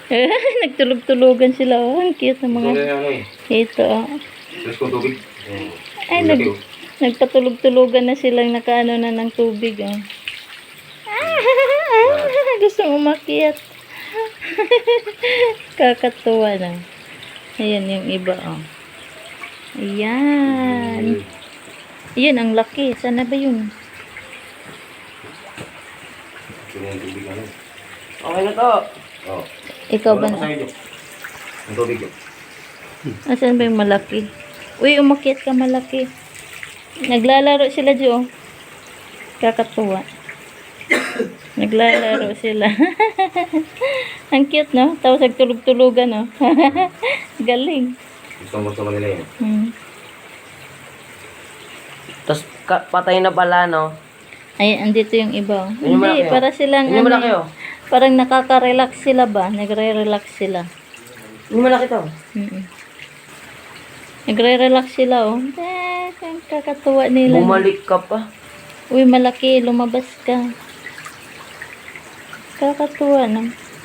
Nagtulog-tulugan sila. Oh, ang cute ng mga ito. Oh. Ay, nagpatulog-tulugan na silang nakaano na ng tubig. Oh. Gusto umakyat. Kakatuwa na. Ayan yung iba. Oh. Ayan. Ayan, ang laki. Sana ba yun? Okay na to. Oh. Ikaw ba na? Ang tubig yun. Asan ba yung malaki? Uy, umakyat ka malaki. Naglalaro sila dyan. Kakatuwa. Naglalaro sila. Ang cute, no? Tapos nagtulog-tulugan, no? Galing. Gusto mo nila yun. Tapos patay na pala, no? Ay, andito yung iba. Oh. Yun yung Hindi, malaki, para silang Yun yung malaki, oh. parang nakaka-relax sila ba? Nagre-relax sila. Yung malaki to. Nagre-relax sila, oh. Ang kakatuwa nila. Bumalik ka pa. Uy, malaki. Lumabas ka. Kakatuwa, no?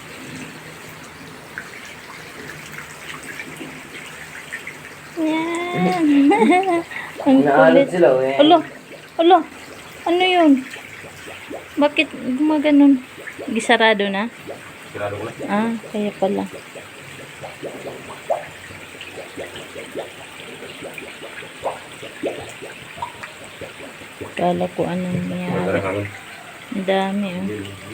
Yan. Ang Naalad kulit. sila, eh. Alo, alo. Ano yun? Bakit gumaganon? Gisarado na? Sirado ko na. Ah, kaya pala. Kala ko anong nangyari. Ang dami, oh.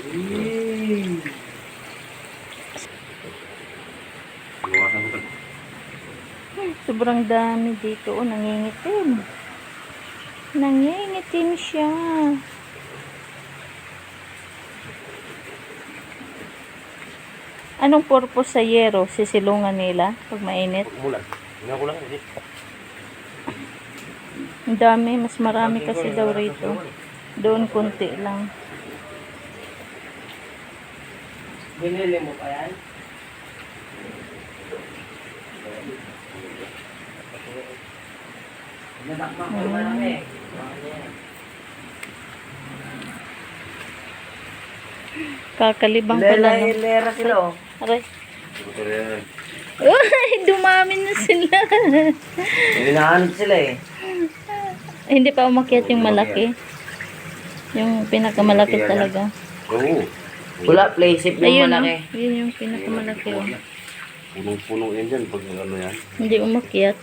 Sobrang dami dito. Oh, nangingitim. Nangingitim siya. Anong purpose sa yero? Sisilungan nila pag mainit? Umulan. Hindi ako lang. Ang dami. Mas marami kasi daw rito. Doon konti lang. Binili mo pa yan? Kakalibang pala, no? Lera sila, oh. Aray. Uy, dumami na sila. Hinahanap sila, eh. Hindi pa umakyat yung malaki. Yung pinakamalaki talaga. Oo. Wala, playsip yung Ayun, no? malaki. Yun yung pinakamalaki. Oh. Punong-punong yan dyan pag ano yan. Hindi umakyat.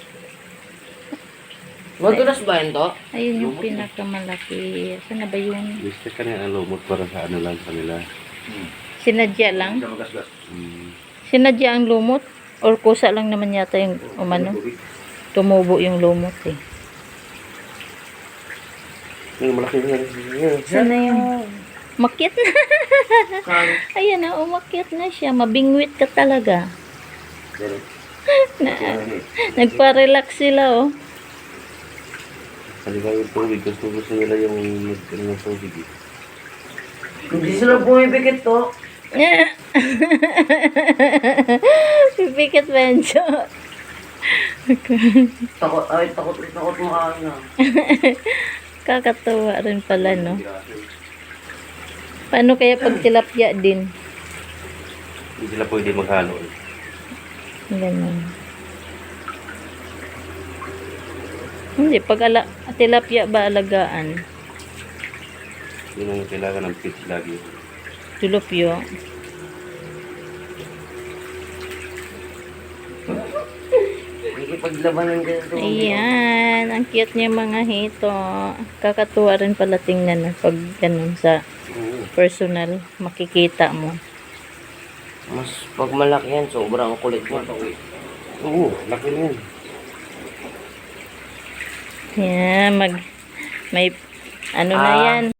Madulas ba yun to? Ayun yung pinakamalaki. Saan na ba yun? Gusto ka na lumot para sa ano lang kanila. Sinadya lang? Magasgas. Sinadya ang lumot? Or kusa lang naman yata yung umano? Tumubo yung lumot eh. Yung malaki na yan. Saan na yun? Umakyat na. Ayan na, umakyat na siya. Mabingwit ka talaga. Nagpa-relax sila, oh. Kaliwa yung tubig. Gusto nila yung ng tubig. Hindi sila bumibigit to. Pipikit bencho. Takot mo ka na. Kakatuwa rin pala, no? Paano kaya pag tilapia din? Hindi sila pwede maghalo. Ganun. Hindi, pag tilapia ba alagaan? Yun ang kailangan ng pitch lagi. Tilapia. Ikipaglabanan ka sa Ayan, ang cute niya mga hito. Kakatuwa rin pala tingnan pag ganun sa personal, makikita mo. Mas pag malaki yan, sobrang kulit mo. Oo, laki na yan. Yan, may ano na yan.